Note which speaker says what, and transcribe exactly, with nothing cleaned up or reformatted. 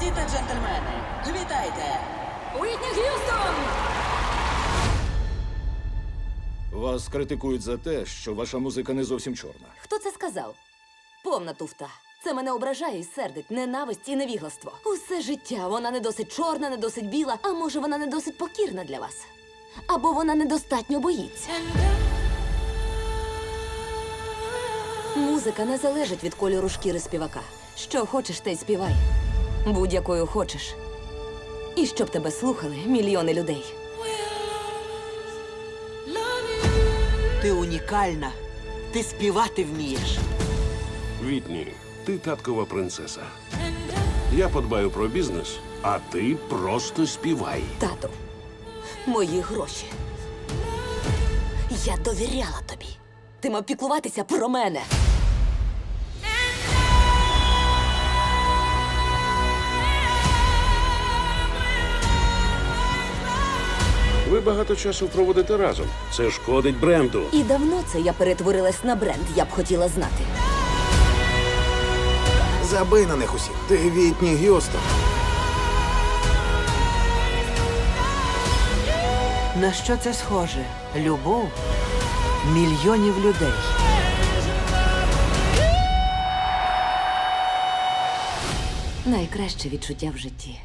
Speaker 1: Леді та джентльмени, вітайте!
Speaker 2: Уітні Г'юстон!
Speaker 3: Вас критикують за те, що ваша музика не зовсім чорна.
Speaker 2: Хто це сказав? Повна туфта. Це мене ображає і сердить. Ненависть і невігластво. Усе життя вона не досить чорна, не досить біла, а може вона не досить покірна для вас. Або вона недостатньо боїться. Музика не залежить від кольору шкіри співака. Що хочеш, те й співай. Будь-якою хочеш. І щоб тебе слухали мільйони людей.
Speaker 4: Ти унікальна. Ти співати вмієш.
Speaker 5: Вітні, ти таткова принцеса. Я подбаю про бізнес, а ти просто співай.
Speaker 2: Тату, мої гроші. Я довіряла тобі. Ти мав піклуватися про мене.
Speaker 5: Ви багато часу проводите разом. Це шкодить бренду.
Speaker 2: І давно це я перетворилась на бренд, я б хотіла знати.
Speaker 6: Забий на них усіх. Ти Вітні Г'юстон.
Speaker 4: На що це схоже? Любов мільйонів людей.
Speaker 2: Найкраще відчуття в житті.